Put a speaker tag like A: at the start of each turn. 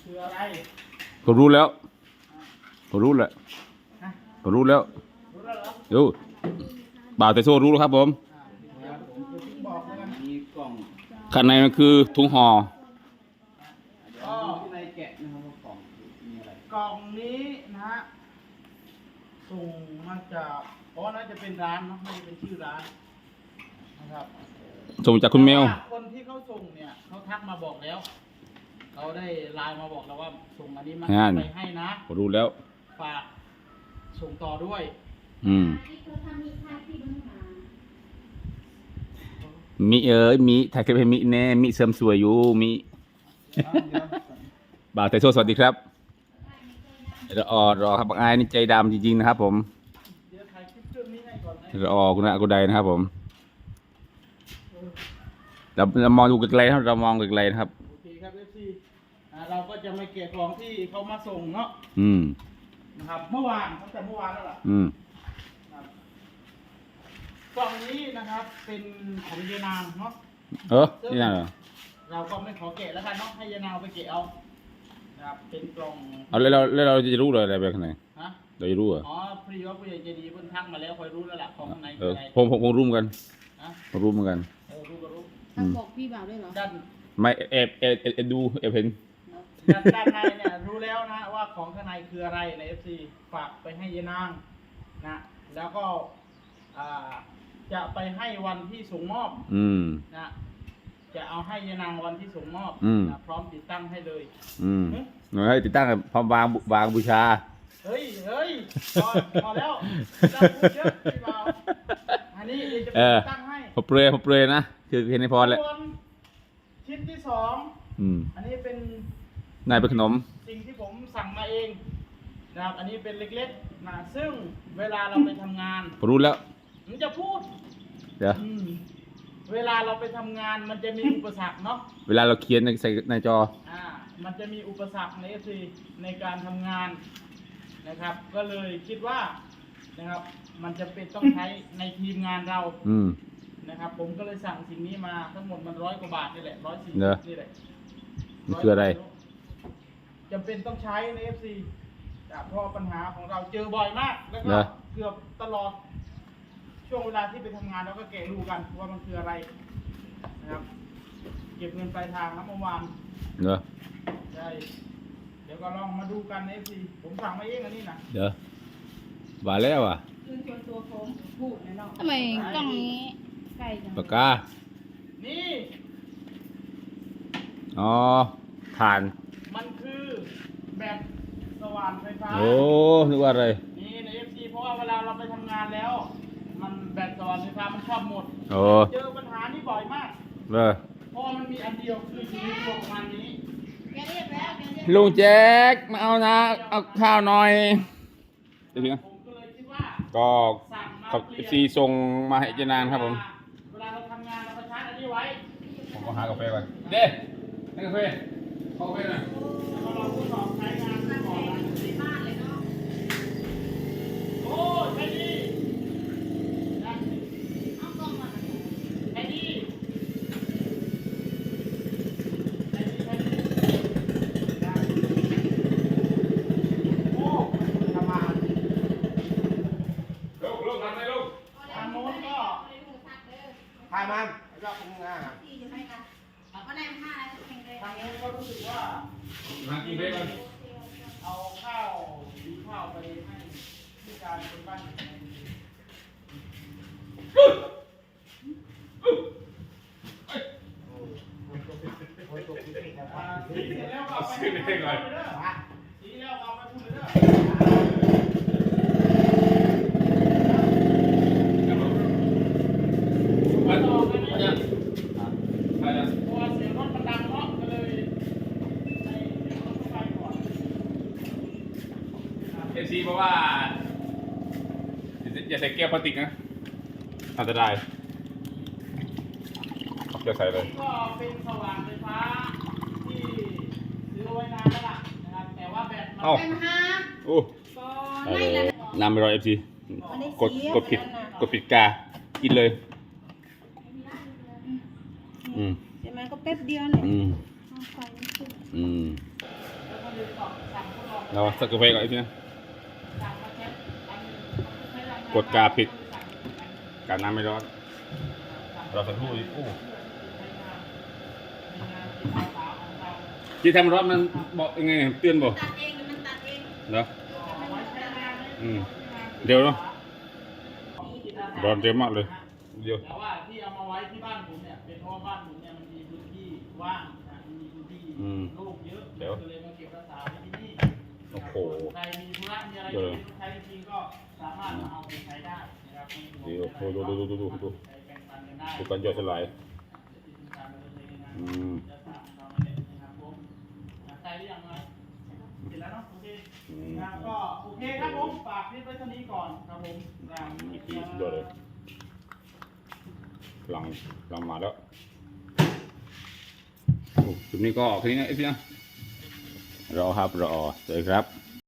A: คืออะไร
B: ผมรู้แล้วผมรู้แล้วผมรู้แล้ว
A: รู้แล้วเหรอ
B: ดูบ่าวแต่โซ่รู้แล้วครับผม
A: เดี๋ยวผมจะทิ้งบอกแล้วกันมีกล่อง
B: ข้างในมันคือถุงห่อ
A: ก็ในแกะนะครับว่ากล่องมีอะไรกล่องนี้นะฮะส่งมาจากน่าจะเป็นร้านเนาะไม่ได้เป็นชื่อร้านนะครับ
B: ส่งจากคุณเมล
A: คนที่เขาส่งเนี่ยเขาทักมาบอกแล้วเขาได้ไลน์มาบอกแล้วว่าส่งอันนี้มาไปให้นะ
B: ผมรู้แล้ว
A: ฝากส่งต่อด้วย
B: มีมีถ่ายคลิปให้มีแน่มีเสริมสวยอยู่มีบ่าวแต่โซ่สวัสดีครับรอครับบางไอ้นี่ใจดำจริงๆนะครับผม
A: เดี๋ยวถ่ายคลิปเรื่องนี้ให้ก่อนนะ
B: คุณอากุไดนะครับผมเรามองดูไกลๆนะครับเรามองไกลๆนะครับ
A: โอเคครับ FC เราก็จะไม่เก็บของที่เขามาส่งเนาะนะครับเมื่อวานตั้งแต่เมื่อวานแล้วล่ะกล่องนี้นะครับเป็นของยายนางเนาะ
B: นี่น่ะเหรอ
A: เราก็ไม่ขอแกะแล้วกันเนาะให้ยายนางไปเกะเอานะครับเป็นกล่อง
B: แล้วเราจะรู้เลยอะไรไปข้างในเราจะรู้เหรอ
A: พอดีว่าผู้ใหญ่ใจดีเพิ่นทักมาแล้วคอยรู้แล้วล่ะของข้างใน
B: ผมรู้เหมือนกันผมรู้เหมือนกัน
A: รู้ก็รู้
C: บอกพี่บ่าวด้วยเหรอ
A: ด้าน
B: ไม่เอ็ดูเห็น
A: ด้านในเนี่ยรู้แล้วนะว่าของข้างในคืออะไรใน FC ฝากไปให้ยายนางนะแล้วก็จะไปให้วันที่ส่งมอบนะจะเอาให้ยายนางวันที่ส่งมอบนะพร้อมติดตั้งให้เลย
B: หน่อยติดตั้งพร้อมวางบูชา
A: เฮ้ยพอแล้วจะพูดเยอะพี่บ่าวอันนี้จะติดตั้งให้
B: ผมเปรยนะคือเห็นในพรแหละ
A: ชิ้นที่2อันนี้เป็น
B: นายเป็นขนม
A: สิ่งที่ผมสั่งมาเองนะครับอันนี้เป็นเล็กๆนะซึ่งเวลาเราไปทำงาน
B: ผมรู้แล้ว
A: มันจะพูด
B: เดี๋ยว
A: เวลาเราไปทำงานมันจะมีอุปสรรคเนาะ
B: เวลาเราเขียนในจอ
A: มันจะมีอุปสรรคในFCในการทำงานนะครับก็เลยคิดว่านะครับมันจะเป็นต้องใช้ในทีมงานเรานะครับผมก็เลยสั่งสิ่งนี้มาทั้งหมดมัน100 กว่าบาทนี่แหละ140นี่แหละ
B: มันคืออะไร
A: จำเป็นต้องใช้ใน FC เพราะปัญหาของเราเจอบ่อยมากแล้วก็เกือบตลอดช่วงเวลาที่ไปทำงานเราก็แกะดูกันว่ามันคืออะไรนะครับเก็บเงินปลายทางนะเมื่อวานใช่เดี๋ยวก็ลองมาดูกันใน FC ผมสั่งมาเองอันนี้นะ
B: เดี๋ยวว่าแล้วอ่ะ
C: ทำไมกล้องนี้ไกลจัง
B: ปากกา
A: นี่
B: ผ่าน
A: มันคือแบบสว่านไฟฟ้า
B: นึกว่าอะไร
A: นี่ใน FC เพราะว่าเวลาเราไปทำงานแล้วมันแบบสว่านไฟฟ้ามันชอบหมดเจอปัญหานี้บ่อยมากเพราะมันมีอันเดียวคือชีวิตประมาณนี้
B: ลุงแจ็คมาเอานะเอาข้าวหน่อย
A: ผมก็เลยคิดว่า
B: ก็ขอบซีส่งมาให้เจนานครับผม
A: เวลาเราทำงานเราก็ชาร์จอันนี้ไว้
B: ผมก็หากาแฟก่อนเด้กาแฟขอกาแฟหน่อย
A: แล้วเราทดสอบใช้งานก่อนในบ้านเลยเนาะโอ้ใช่ดีเอากล้องมาใช่ดี
D: ถ่ายมันแล้วก็คงง่าย
A: ทางนู้นก็รู้สึกว่าเอาข้าวไปให้ที่การเป็นบ้านทีแล้วก็ไปพูดเลยเด้อทีแล้วก็ไปพูดเลยเด้อ
B: ซีเพราะว่าอย่าใส่แก้วพลาสติกนะอันตรายจะใส่เลย
A: ก็เป็นสว่านไฟฟ้าที่ซื้อไว้นานแล้วล่ะนะครับแต่ว่าแบตมันเป็น
B: น้ำไม่ร้อยFC กดผิดกากินเลย
C: ใช่ไหมก็แป๊บเดียวเนี่ย
A: พ
B: เราสักกาแฟก่อนไอ้พี่นะ
A: สั่งมาแค่อันหนึ่งใช้รางวัล
B: กดกาผิด การน้ำไม่ร้อนเราสักครู่อีกโอ้ที่ทำร้อนมันบอกยังไงเตือนบอก
C: ตัดเองมันตัดเอง
B: เนาะเดี๋ยวเนาะร้อนเร็วมากเลยเดี๋ยว
A: แต่ว่าที่เอามาไว้ที่บ้านผมเนี่ยเป็นเพราะว่าบ้านผมเนี่ยมันมีพื้นที่ว่างนะมีพื้นที่โล่งเยอะก็เลยมาเก็บรักษาไว้ที่นี่
B: โอ้โห
A: ใครมีธุระมีอะไรที่ต้องใช้จริงๆก็สามารถมาเอาไปใช้ได้นะครับ
B: เดี๋ยวดู
A: ใช้แบ่งปันกันได้
B: ดูการย่อยสลาย
A: จะสามเราเนี่ยนะครับผมใส่หรือยังไงเสร็จแล้วเนาะโอเคนะครับก็โอเคครับผมฝากคลิปไว้เท่านี้ก่อนครับผม
B: มีที่สุดยอดเลยหลังมาแล้วโอ้จุดนี้ก็แค่นี้นะไอ้พี่นะรอครับรอเจอครับ